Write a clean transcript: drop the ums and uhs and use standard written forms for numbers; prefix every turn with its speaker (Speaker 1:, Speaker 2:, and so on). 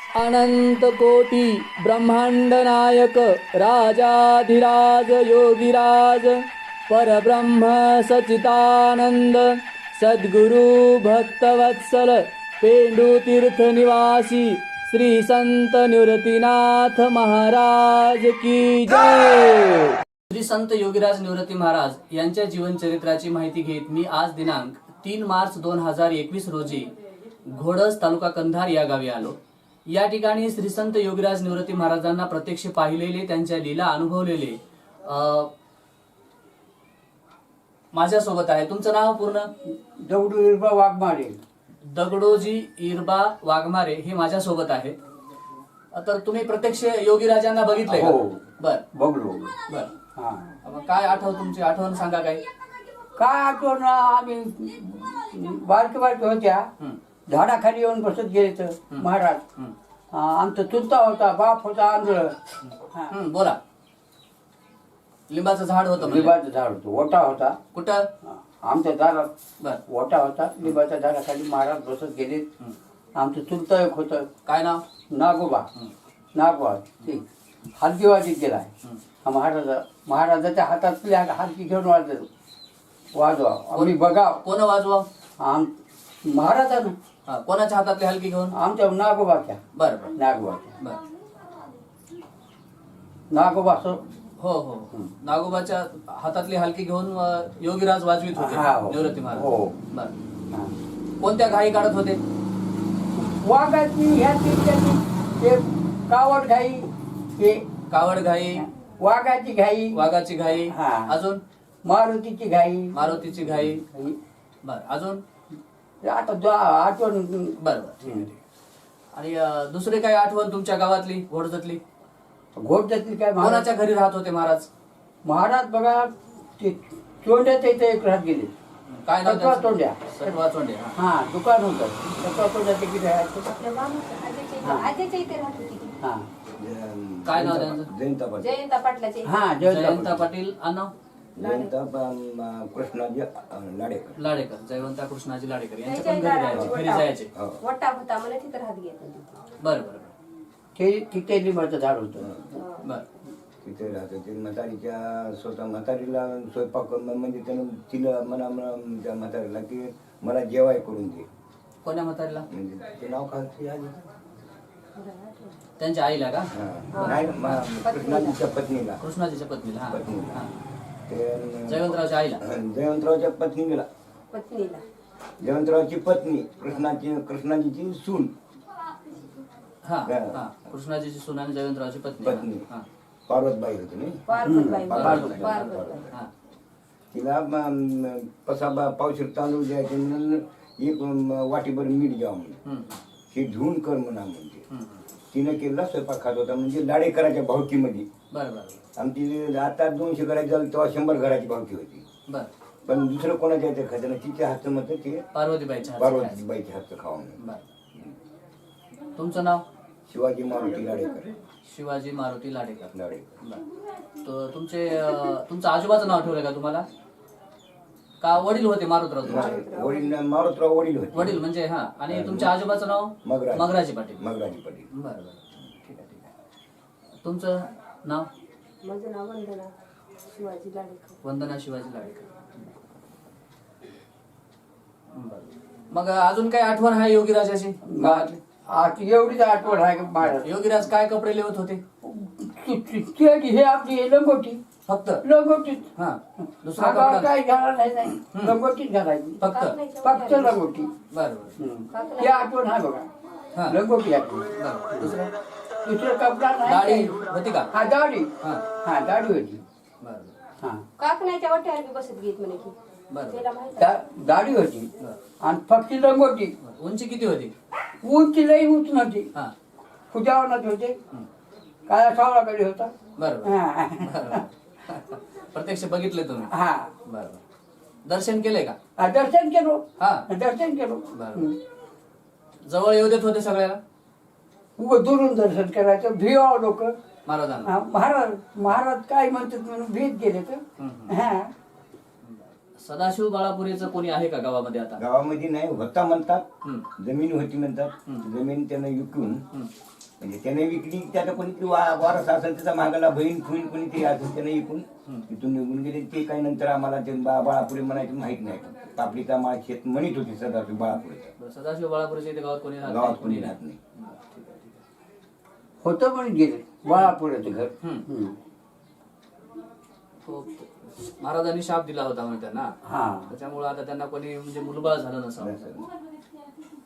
Speaker 1: अनंत कोटी ब्रह्मांड नायक राजाधिराज योगिराज परब्रह्म सचितानंद सद्गुरु भक्तवत्सल पेंडुतीर्थ निवासी श्री संत निवृत्तीनाथ महाराज की जय। श्री संत योगीराज निवृत्ती महाराज यांच्या जीवनचरित्राची माहिती घेत मी आज दिनांक 3 मार्च 2021 रोजी घोडस तालुका कंधार या गावी आलो। या ठिकाणी श्री संत योगीराज निवृत्ती महाराजांना प्रत्यक्ष पाहिलेले, त्यांच्या लीला अनुभवलेले माझ्यासोबत आहे। तुमचं नाव पूर्ण?
Speaker 2: दगडू इरबा वाघमारे।
Speaker 1: दगडोजी इरबा वाघमारे हे माझ्यासोबत आहे। तर तुम्ही प्रत्यक्ष योगीराजांना बघितलंय का?
Speaker 2: हो,
Speaker 1: बर
Speaker 2: बघलो।
Speaker 1: बर
Speaker 2: हा,
Speaker 1: मग काय तुमची आठवण सांगा काय?
Speaker 2: काय आठवण, आम्ही बारके होत्या, झाडाखाली येऊन बसत गेले तर महाराज। आमचा चुलता होता, बाप होता आंधळ।
Speaker 1: बोला। लिंबाचं झाड होतं?
Speaker 2: लिंबाचं झाड होतं, ओटा होता।
Speaker 1: कुठं?
Speaker 2: आमच्या दारात
Speaker 1: बर
Speaker 2: ओटा होता, लिंबाच्या झाडाखाली महाराज बसत गेले। आमचं चुलता एक होतं,
Speaker 1: काय नाव?
Speaker 2: नागोबा। नागोबा ते हलकी वाजीत गेलाय। महाराजाच्या हातातली हलकी घेऊन वाजवा आम्ही बघा।
Speaker 1: कोण वाजवा?
Speaker 2: महाराजानं।
Speaker 1: कोणाच्या हातातली हलकी घेऊन?
Speaker 2: आमच्या नागोबाच्या।
Speaker 1: बर
Speaker 2: नागोबाच्या।
Speaker 1: बर
Speaker 2: नागोबा
Speaker 1: हो हो नागोबाच्या हातातली हलकी घेऊन योगीराज वाजवीत होते निवृत्ती महाराज।
Speaker 2: हो
Speaker 1: बर कोणत्या घाई काढत होते?
Speaker 2: वाघाची ह्या कावड घाई, हे
Speaker 1: कावड घाई,
Speaker 2: वाघाची घाई,
Speaker 1: वाघाची घाई, अजून
Speaker 2: मारुतीची घाई,
Speaker 1: मारुतीची घाई। बर अजून?
Speaker 2: आता आठवण।
Speaker 1: बर आणि दुसरी काय आठवण तुमच्या गावातली घोडजतली?
Speaker 2: घोडजतली काय?
Speaker 1: कोणाच्या घरी राहत होते महाराज?
Speaker 2: महाराज बघा ते चोंड्याच्या इथे एक राहत गेले।
Speaker 1: काय नाव?
Speaker 2: सटवा चोंड्या।
Speaker 1: सटवा चोंडे।
Speaker 2: हा, दुकान होतं सटवा चोंड्याचे किती राहायचं? हा,
Speaker 1: काय नाव त्यांचं?
Speaker 3: जयंता पाटलाचे।
Speaker 2: हा,
Speaker 1: जयंता पाटील आणि
Speaker 4: कृष्णाजी लाडेकर।
Speaker 1: लाडेकर, जयवंता कृष्णाजी लाडेकर यांच्या पण घरी जायचे।
Speaker 3: वटा होता मला तिथं राहत गेला।
Speaker 1: बरं बरं
Speaker 2: ते तिथे लिंबाचं झाड होतं।
Speaker 1: बर
Speaker 4: तिथे राहत होते। म्हातारीच्या स्वतः म्हातारीला स्वयंपाक म्हणजे त्यानं तिला त्या म्हातारीला की मला जेवाय करून दे।
Speaker 1: कोण्या म्हातारीला?
Speaker 4: म्हणजे ते नाव काय?
Speaker 1: त्यांच्या आईला का?
Speaker 4: नाही, कृष्णाजीच्या पत्नीला।
Speaker 1: कृष्णाजीच्या पत्नीला?
Speaker 4: पत्नीला
Speaker 1: जयवंतरावच्या आईला?
Speaker 4: जयवंतरावच्या पत्नीला। जयवंतरावची पत्नी कृष्णाजीची सून।
Speaker 1: हा कृष्णाजीची सून आणि जयवंतरावची
Speaker 4: पत्नी पार्वतबाई होती नाही? तिला पावशीर तांदूळ द्यायचे म्हणून एक वाटीभर मीठ घ्या म्हणून, हे धुवून कर म्हणा म्हणजे। तिने केलेला स्वयंपाक खात होता, म्हणजे लाडेकराच्या भावकीमध्ये।
Speaker 1: बरोबर।
Speaker 4: आमची आता 200 घराची झाली तेव्हा 100 घराची भावकी होती।
Speaker 1: बर
Speaker 4: पण दुसरं कोणाच्या इथे खायचं तिच्या हातचं मत ते
Speaker 1: पार्वतीबाईच्या
Speaker 4: हातचं खावं म्हणून।
Speaker 1: तुमचं नाव?
Speaker 4: शिवाजी मारुती लाडेकर।
Speaker 1: शिवाजी मारुती लाडेकर।
Speaker 4: लाडेकर।
Speaker 1: तर तुमचं आजोबाचं नाव आठवलंय का तुम्हाला? का वडील होते मारुतराव तुमचे?
Speaker 4: वडील मारुतराव वडील होते।
Speaker 1: वडील म्हणजे आणि तुमच्या आजोबाचं नाव? मगराजी पाटील।
Speaker 4: मगराजी पाटील।
Speaker 1: बरं ठीक आहे। तुमचं नाव?
Speaker 3: माझं नाव वंदना शिवाजी लाडेकर।
Speaker 1: वंदना शिवाजी लाडेकर। मग अजून काय आठवण आहे योगीराजाची गावातली?
Speaker 2: एवढीच आठवण आहे महाराज।
Speaker 1: योगीराज काय कपडे लिहत होते?
Speaker 2: हे आपली लंगोटी, फक्त लंगोटीच।
Speaker 1: दुसरा कपडा
Speaker 2: काय घालायला नाही, लंगोटीच घालायची फक्त लंगोटी।
Speaker 1: बरोबर
Speaker 2: ही आठवण आहे बघा, लंगोटी आठवण। दुसरं कपडा नाही।
Speaker 1: दाढी होती का?
Speaker 2: हा, दाढी। हा, दाढी होती।
Speaker 3: काकण्याच्या वाट्यावर बसत घेत म्हणे की
Speaker 2: दाढी होती आणि फक्त लंगोटी।
Speaker 1: उंची किती होती?
Speaker 2: उंची लई उंच नव्हती, खुजावनात होते, काळा सावळाकडे होता।
Speaker 1: बरोबर प्रत्यक्ष बघितले तुम्ही?
Speaker 2: हा,
Speaker 1: बरोबर। दर्शन केले का?
Speaker 2: दर्शन केलो।
Speaker 1: दर्शन केलो। जवळ येऊ देत होते सगळ्याला?
Speaker 2: दुरून दर्शन करायचं, भिवाव लोक
Speaker 1: महाराजांना।
Speaker 2: महाराज काय म्हणतात म्हणून भीत गेले तर।
Speaker 1: सदाशिव बाळापुरेचं कोणी आहे का गावामध्ये? आता
Speaker 4: गावामध्ये नाही होता म्हणतात, जमीन होती म्हणतात। जमीन त्यानं विकून म्हणजे त्याने विकली त्याचा कोणी ती वारस असेल त्याचा मागाला बहीण फुईन कोणी ते असेल त्याने विकून तिथून निघून गेले. ते काही नंतर आम्हाला ते बाळापुरे म्हणायचं माहित नाही. पापडीचा माळ शेत म्हणत होती सदाशिव बाळापुरेचा.
Speaker 1: सदाशिव बाळापुरेच्या इथे गावात कोणी राहत
Speaker 4: गावात
Speaker 1: नाही?
Speaker 4: कोणी राहत नाही.
Speaker 2: होतं पण गेलं बाळापुराचं घर.
Speaker 1: तो महाराजांनी शाप दिला होता म्हणजे त्यांना,
Speaker 2: हा
Speaker 1: त्याच्यामुळे आता त्यांना कोणी म्हणजे मुलबाळ झालं नसावं.
Speaker 4: असं.